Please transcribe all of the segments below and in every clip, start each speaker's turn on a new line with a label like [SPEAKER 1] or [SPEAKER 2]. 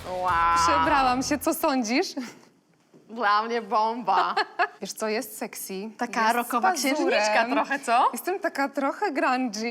[SPEAKER 1] Wow.
[SPEAKER 2] Przebrałam się, co sądzisz?
[SPEAKER 1] Dla mnie bomba.
[SPEAKER 2] Wiesz co, jest sexy.
[SPEAKER 1] Taka
[SPEAKER 2] jest
[SPEAKER 1] rockowa
[SPEAKER 2] z pazurem.
[SPEAKER 1] księżniczka trochę, co?
[SPEAKER 2] Jestem taka trochę grungy.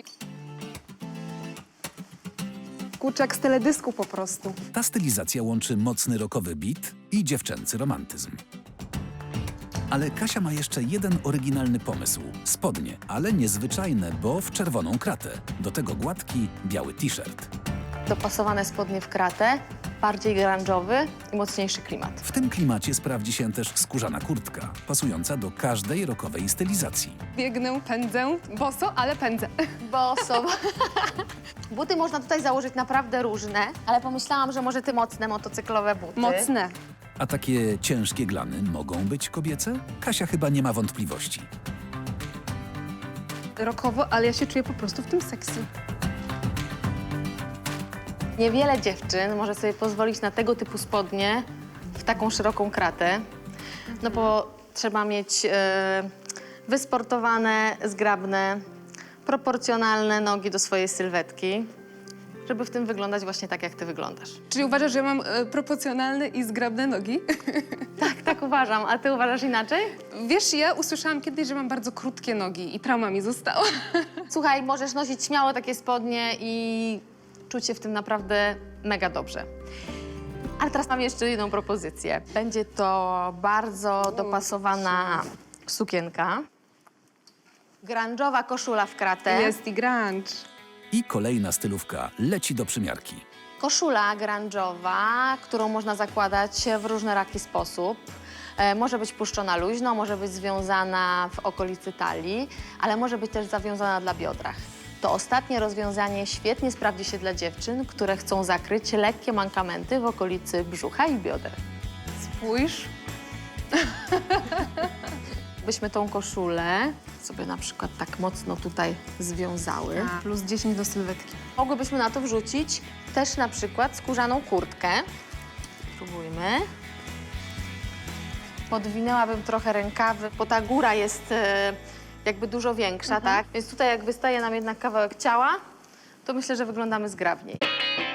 [SPEAKER 2] Kurczak z teledysku po prostu.
[SPEAKER 3] Ta stylizacja łączy mocny rockowy beat i dziewczęcy romantyzm. Ale Kasia ma jeszcze jeden oryginalny pomysł. Spodnie, ale niezwyczajne, bo w czerwoną kratę. Do tego gładki, biały t-shirt.
[SPEAKER 1] Dopasowane spodnie w kratę, bardziej grunge'owy i mocniejszy klimat.
[SPEAKER 3] W tym klimacie sprawdzi się też skórzana kurtka, pasująca do każdej rockowej stylizacji.
[SPEAKER 2] Biegnę, pędzę, boso, ale pędzę.
[SPEAKER 1] Boso. Buty można tutaj założyć naprawdę różne, ale pomyślałam, że może te mocne motocyklowe buty.
[SPEAKER 2] Mocne.
[SPEAKER 3] A takie ciężkie glany mogą być kobiece? Kasia chyba nie ma wątpliwości.
[SPEAKER 2] Rockowo, ale ja się czuję po prostu w tym sexy.
[SPEAKER 1] Niewiele dziewczyn może sobie pozwolić na tego typu spodnie w taką szeroką kratę, no bo trzeba mieć wysportowane, zgrabne, proporcjonalne nogi do swojej sylwetki, żeby w tym wyglądać właśnie tak, jak ty wyglądasz.
[SPEAKER 2] Czyli uważasz, że mam proporcjonalne i zgrabne nogi?
[SPEAKER 1] Tak uważam. A ty uważasz inaczej?
[SPEAKER 2] Wiesz, ja usłyszałam kiedyś, że mam bardzo krótkie nogi i trauma mi została.
[SPEAKER 1] Słuchaj, możesz nosić śmiało takie spodnie i czuć się w tym naprawdę mega dobrze. Ale teraz mam jeszcze jedną propozycję. Będzie to bardzo dopasowana sukienka. Grunge'owa koszula w kratę.
[SPEAKER 2] Jest i grunge.
[SPEAKER 3] I kolejna stylówka leci do przymiarki.
[SPEAKER 1] Koszula grunge'owa, którą można zakładać w różnoraki sposób. Może być puszczona luźno, może być związana w okolicy talii, ale może być też zawiązana dla biodrach. To ostatnie rozwiązanie świetnie sprawdzi się dla dziewczyn, które chcą zakryć lekkie mankamenty w okolicy brzucha i bioder.
[SPEAKER 2] Spójrz.
[SPEAKER 1] Byśmy tą koszulę sobie na przykład tak mocno tutaj związały.
[SPEAKER 2] Plus 10 do sylwetki.
[SPEAKER 1] Mogłybyśmy na to wrzucić też na przykład skórzaną kurtkę. Spróbujmy. Podwinęłabym trochę rękawy, bo ta góra jest jakby dużo większa, tak? Więc tutaj jak wystaje nam jednak kawałek ciała, to myślę, że wyglądamy zgrabniej.